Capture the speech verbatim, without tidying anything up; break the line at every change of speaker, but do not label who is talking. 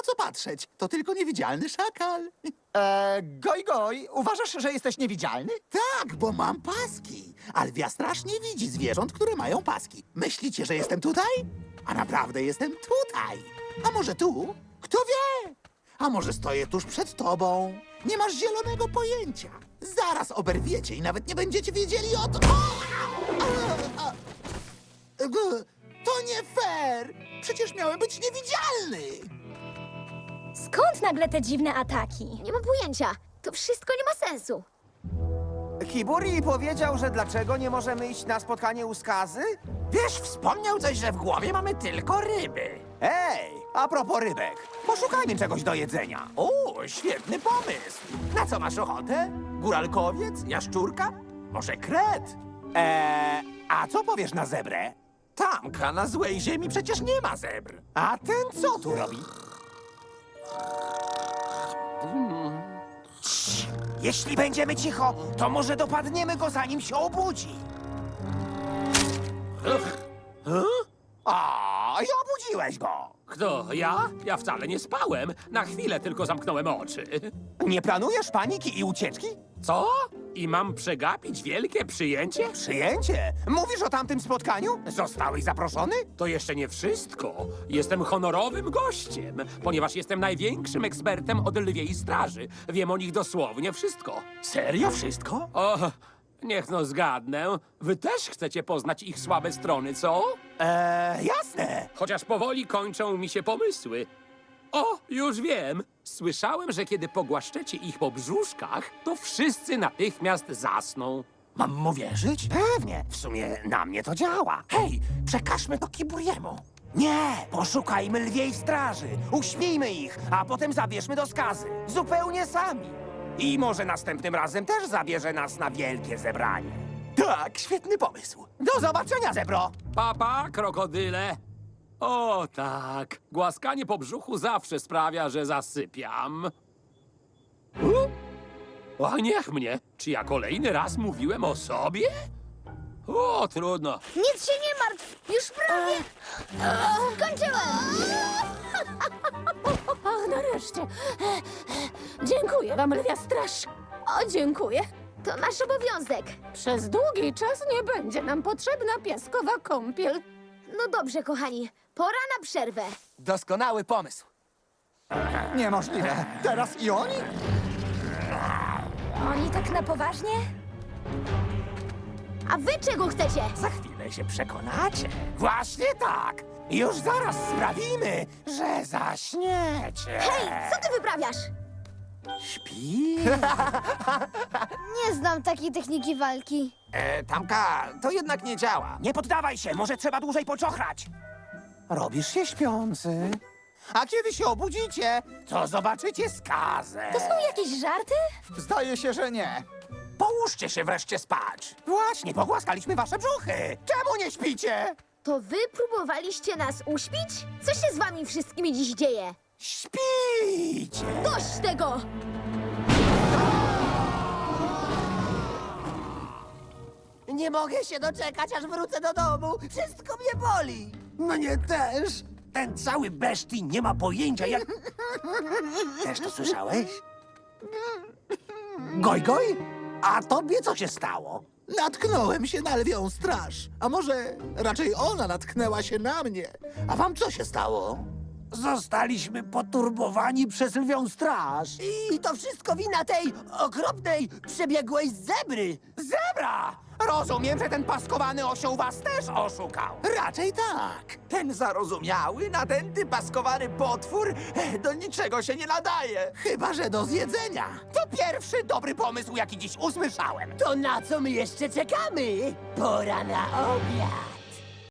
co patrzeć. To tylko niewidzialny szakal.
Eee, goj, goj, uważasz, że jesteś niewidzialny?
Tak, bo mam paski. Alwia strasznie widzi zwierząt, które mają paski. Myślicie, że jestem tutaj? A naprawdę jestem tutaj. A może tu? Kto wie? A może stoję tuż przed tobą? Nie masz zielonego pojęcia. Zaraz oberwiecie i nawet nie będziecie wiedzieli o to. O! A, a, a. G- To nie fair! Przecież miałem być niewidzialny!
Skąd nagle te dziwne ataki?
Nie mam pojęcia. To wszystko nie ma sensu.
Hiburi powiedział, że dlaczego nie możemy iść na spotkanie u Skazy?
Wiesz, wspomniał coś, że w głowie mamy tylko ryby.
Ej, a propos rybek, poszukajmy czegoś do jedzenia.
O, świetny pomysł. Na co masz ochotę? Góralkowiec? Jaszczurka? Może kret?
Eee, a co powiesz na zebrę?
Tamka na złej ziemi przecież nie ma zebr.
A ten co tu robi? Cii, jeśli będziemy cicho, to może dopadniemy go, zanim się obudzi. A, i obudziłeś go.
Kto? Ja? Ja wcale nie spałem. Na chwilę tylko zamknąłem oczy.
Nie planujesz paniki i ucieczki?
Co? I mam przegapić wielkie przyjęcie?
Przyjęcie? Mówisz o tamtym spotkaniu? Zostałeś zaproszony?
To jeszcze nie wszystko. Jestem honorowym gościem, ponieważ jestem największym ekspertem od lwiej straży. Wiem o nich dosłownie wszystko.
Serio wszystko?
O, niech no zgadnę. Wy też chcecie poznać ich słabe strony, co?
Eee, jasne.
Chociaż powoli kończą mi się pomysły. O, już wiem. Słyszałem, że kiedy pogłaszczecie ich po brzuszkach, to wszyscy natychmiast zasną.
Mam mu wierzyć?
Pewnie, w sumie na mnie to działa.
Hej, przekażmy to Kiburiemu.
Nie, poszukajmy lwiej straży, uśmijmy ich, a potem zabierzmy do Skazy. Zupełnie sami. I może następnym razem też zabierze nas na wielkie zebranie.
Tak, świetny pomysł.
Do zobaczenia, zebro!
Papa, krokodyle. O tak, głaskanie po brzuchu zawsze sprawia, że zasypiam. U? O, niech mnie. Czy ja kolejny raz mówiłem o sobie? O, trudno.
Nic się nie martw. Już prawie. Skończyłem.
Och, nareszcie. Dziękuję wam, lwia straż. O, dziękuję.
To nasz obowiązek.
Przez długi czas nie będzie nam potrzebna piaskowa kąpiel.
No dobrze, kochani. Pora na przerwę.
Doskonały pomysł.
Niemożliwe. Teraz i oni?
Oni tak na poważnie?
A wy czego chcecie?
Za chwilę się przekonacie.
Właśnie tak. Już zaraz sprawimy, że zaśniecie.
Hej, co ty wyprawiasz?
Śpi?
Nie znam takiej techniki walki.
E, Tamka, to jednak nie działa.
Nie poddawaj się, może trzeba dłużej poczochrać. Robisz się śpiący. A kiedy się obudzicie, to zobaczycie Skazę.
To są jakieś żarty?
Zdaje się, że nie.
Połóżcie się wreszcie spać.
Właśnie, pogłaskaliśmy wasze brzuchy. Czemu nie śpicie?
To wy próbowaliście nas uśpić? Co się z wami wszystkimi dziś dzieje?
Śpicie!
Dość tego!
Nie mogę się doczekać, aż wrócę do domu. Wszystko mnie boli. Mnie też. Ten cały beszti nie ma pojęcia, jak... Też to słyszałeś? Goj, goj? A tobie co się stało?
Natknąłem się na lwią straż. A może raczej ona natknęła się na mnie. A wam co się stało?
Zostaliśmy poturbowani przez lwią straż.
I to wszystko wina tej okropnej, przebiegłej zebry.
Zebra! Rozumiem, że ten paskowany osioł was też oszukał.
Raczej tak.
Ten zarozumiały, nadęty, paskowany potwór e, do niczego się nie nadaje.
Chyba że do zjedzenia.
To pierwszy dobry pomysł, jaki dziś usłyszałem.
To na co my jeszcze czekamy? Pora na obiad.